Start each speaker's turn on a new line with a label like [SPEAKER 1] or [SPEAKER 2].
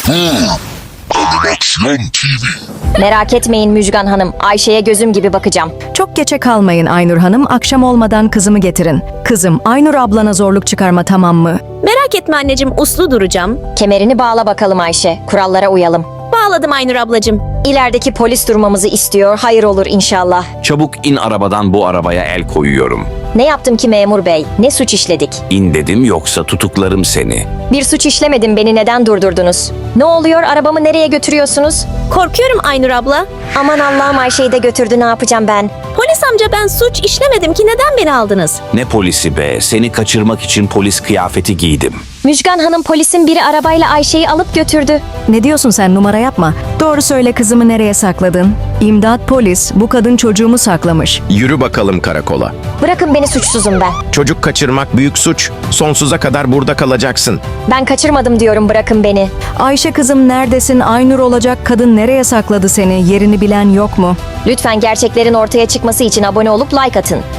[SPEAKER 1] Animasyon TV.
[SPEAKER 2] Merak etmeyin Müjgan Hanım. Ayşe'ye gözüm gibi bakacağım.
[SPEAKER 3] Çok geçe kalmayın Aynur Hanım, akşam olmadan kızımı getirin. Kızım, Aynur ablana zorluk çıkarma, tamam mı?
[SPEAKER 4] Merak etme anneciğim, uslu duracağım.
[SPEAKER 2] Kemerini bağla bakalım Ayşe. Kurallara uyalım.
[SPEAKER 4] Bağladım Aynur ablacığım.
[SPEAKER 2] İlerideki polis durmamızı istiyor. Hayır olur inşallah.
[SPEAKER 5] Çabuk in arabadan, bu arabaya el koyuyorum.
[SPEAKER 2] Ne yaptım ki memur bey? Ne suç işledik?
[SPEAKER 5] İn dedim, yoksa tutuklarım seni.
[SPEAKER 2] Bir suç işlemedim, beni neden durdurdunuz? Ne oluyor, arabamı nereye götürüyorsunuz?
[SPEAKER 4] Korkuyorum Aynur abla.
[SPEAKER 2] Aman Allah'ım, Ayşe'yi de götürdü, ne yapacağım ben?
[SPEAKER 4] Polis amca, ben suç işlemedim ki, neden beni aldınız?
[SPEAKER 5] Ne polisi be, seni kaçırmak için polis kıyafeti giydim.
[SPEAKER 2] Müjgan Hanım, polisin biri arabayla Ayşe'yi alıp götürdü.
[SPEAKER 3] Ne diyorsun sen, numara yapma. Doğru söyle, kızımı nereye sakladın? İmdat polis, bu kadın çocuğumu saklamış.
[SPEAKER 6] Yürü bakalım karakola.
[SPEAKER 2] Bırakın beni, suçsuzum ben.
[SPEAKER 6] Çocuk kaçırmak büyük suç. Sonsuza kadar burada kalacaksın.
[SPEAKER 2] Ben kaçırmadım diyorum, bırakın beni.
[SPEAKER 3] Ayşe kızım neredesin? Aynur olacak kadın nereye sakladı seni? Yerini bilen yok mu?
[SPEAKER 2] Lütfen gerçeklerin ortaya çıkması için abone olup like atın.